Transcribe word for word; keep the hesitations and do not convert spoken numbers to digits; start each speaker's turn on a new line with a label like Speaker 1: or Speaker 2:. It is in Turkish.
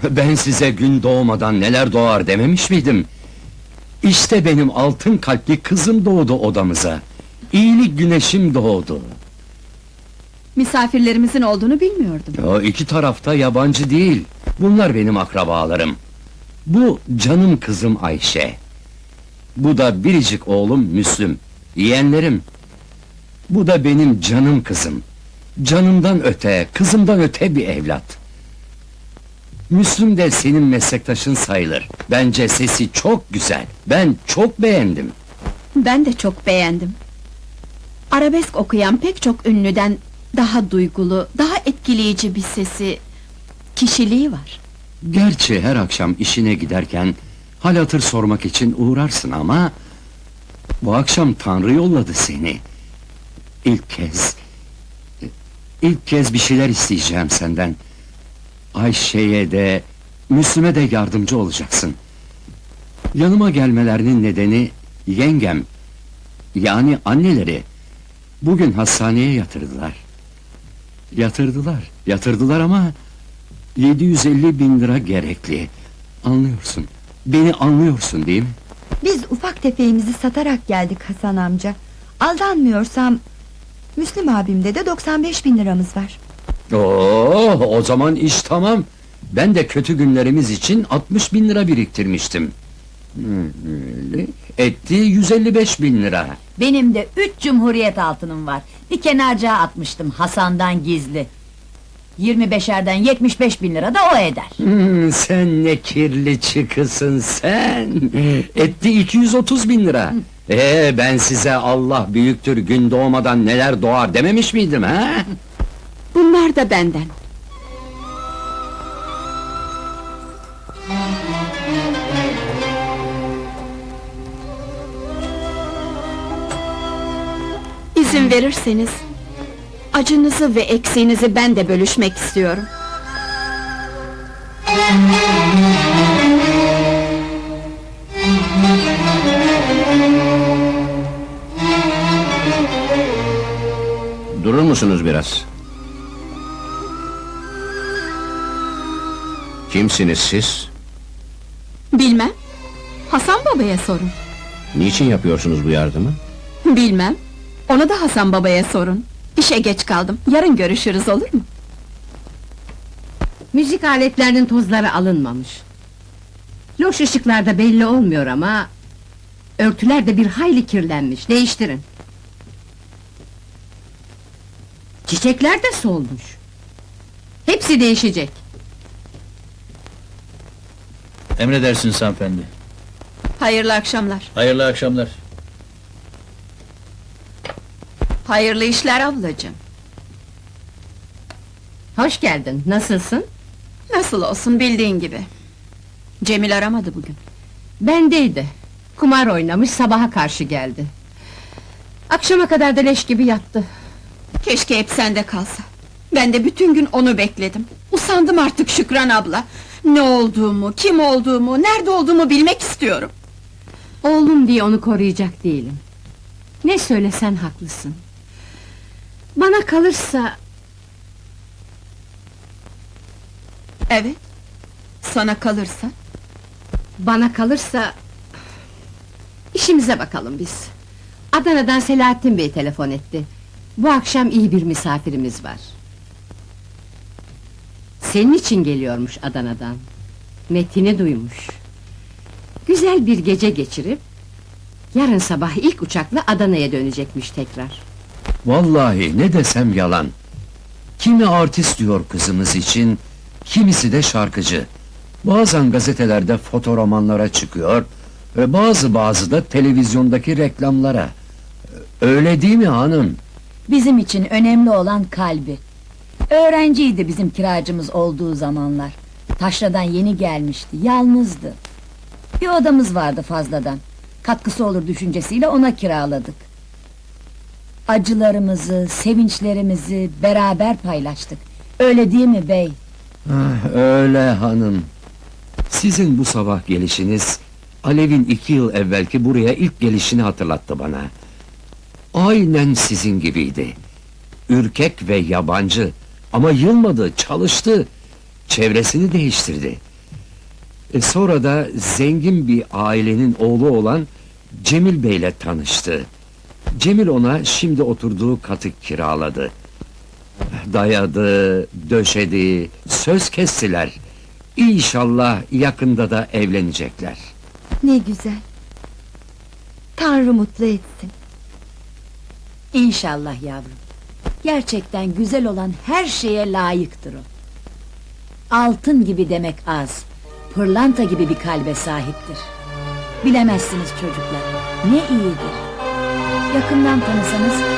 Speaker 1: Ben size gün doğmadan neler doğar dememiş miydim? İşte benim altın kalpli kızım doğdu odamıza. İyilik güneşim doğdu.
Speaker 2: Misafirlerimizin olduğunu bilmiyordum.
Speaker 1: O iki tarafta yabancı değil. Bunlar benim akrabalarım. Bu canım kızım Ayşe. Bu da biricik oğlum Müslüm. Yeğenlerim. Bu da benim canım kızım. Canımdan öte, kızımdan öte bir evlat. Müslüm de senin meslektaşın sayılır. Bence sesi çok güzel. Ben çok beğendim.
Speaker 2: Ben de çok beğendim. Arabesk okuyan pek çok ünlüden daha duygulu, daha etkileyici bir sesi, kişiliği var.
Speaker 1: Gerçi her akşam işine giderken hal hatır sormak için uğrarsın ama bu akşam Tanrı yolladı seni. İlk kez ilk kez bir şeyler isteyeceğim senden. Ayşe'ye de Müslüm'e de yardımcı olacaksın. Yanıma gelmelerinin nedeni yengem, yani anneleri bugün hastaneye yatırdılar. Yatırdılar, yatırdılar ama yedi yüz elli bin lira gerekli. Anlıyorsun, beni anlıyorsun değil mi?
Speaker 3: Biz ufak tefeğimizi satarak geldik Hasan amca. Aldanmıyorsam Müslüm abimde de doksan beş bin liramız var.
Speaker 1: Oo, o zaman iş tamam. Ben de kötü günlerimiz için altmış bin lira biriktirmiştim. Etti yüz elli beş bin lira.
Speaker 4: Benim de üç cumhuriyet altınım var. Bir kenarcığa atmıştım Hasan'dan gizli. Yirmi beşerden yetmiş beş bin lira da o eder.
Speaker 1: Hmm, sen ne kirli çıkısın sen! Etti iki yüz otuz bin lira. Ee, ben size Allah büyüktür, gün doğmadan neler doğar dememiş miydim ha?
Speaker 2: Bunlar da benden. İzin verirseniz acınızı ve eksiğinizi ben de bölüşmek istiyorum.
Speaker 5: Durur musunuz biraz? Kimsiniz siz?
Speaker 2: Bilmem. Hasan babaya sorun.
Speaker 5: Niçin yapıyorsunuz bu yardımı?
Speaker 2: Bilmem. Onu da Hasan babaya sorun. İşe geç kaldım. Yarın görüşürüz, olur mu?
Speaker 6: Müzik aletlerinin tozları alınmamış. Loş ışıklarda belli olmuyor ama örtüler de bir hayli kirlenmiş. Değiştirin. Çiçekler de solmuş. Hepsi değişecek.
Speaker 7: Emredersiniz hanımefendi.
Speaker 2: Hayırlı akşamlar.
Speaker 7: Hayırlı akşamlar.
Speaker 2: Hayırlı işler ablacığım.
Speaker 6: Hoş geldin. Nasılsın?
Speaker 2: Nasıl olsun, bildiğin gibi. Cemil aramadı bugün.
Speaker 6: Bendeydi. Kumar oynamış, sabaha karşı geldi. Akşama kadar da leş gibi yattı.
Speaker 2: Keşke hep sende kalsa. Ben de bütün gün onu bekledim. Usandım artık Şükran abla. Ne olduğumu, kim olduğumu, nerede olduğumu bilmek istiyorum.
Speaker 6: Oğlum diye onu koruyacak değilim. Ne söylesen haklısın. Bana kalırsa
Speaker 2: Evet. Sana kalırsa?
Speaker 6: Bana kalırsa işimize bakalım biz. Adana'dan Selahattin Bey telefon etti. Bu akşam iyi bir misafirimiz var. Senin için geliyormuş Adana'dan. Metin'i duymuş. Güzel bir gece geçirip yarın sabah ilk uçakla Adana'ya dönecekmiş tekrar.
Speaker 1: Vallahi ne desem yalan. Kimi artist diyor kızımız için, kimisi de şarkıcı. Bazen gazetelerde fotoromanlara çıkıyor, ve bazı bazı da televizyondaki reklamlara. Öyle değil mi hanım?
Speaker 4: Bizim için önemli olan kalbi. Öğrenciydi bizim kiracımız olduğu zamanlar. Taşra'dan yeni gelmişti, yalnızdı. Bir odamız vardı fazladan. Katkısı olur düşüncesiyle ona kiraladık. Acılarımızı, sevinçlerimizi beraber paylaştık. Öyle değil mi bey?
Speaker 1: Ah, öyle hanım. Sizin bu sabah gelişiniz, Alev'in iki yıl evvelki buraya ilk gelişini hatırlattı bana. Aynen sizin gibiydi. Ürkek ve yabancı, ama yılmadı, çalıştı. Çevresini değiştirdi. E, sonra da zengin bir ailenin oğlu olan Cemil Bey'le tanıştı. Cemil ona şimdi oturduğu katı kiraladı. Dayadı, döşedi, söz kestiler. İnşallah yakında da evlenecekler.
Speaker 3: Ne güzel. Tanrı mutlu etsin.
Speaker 4: İnşallah yavrum. Gerçekten güzel olan her şeye layıktır o. Altın gibi demek az, pırlanta gibi bir kalbe sahiptir. Bilemezsiniz çocuklar, ne iyidir. Yakından tanısanız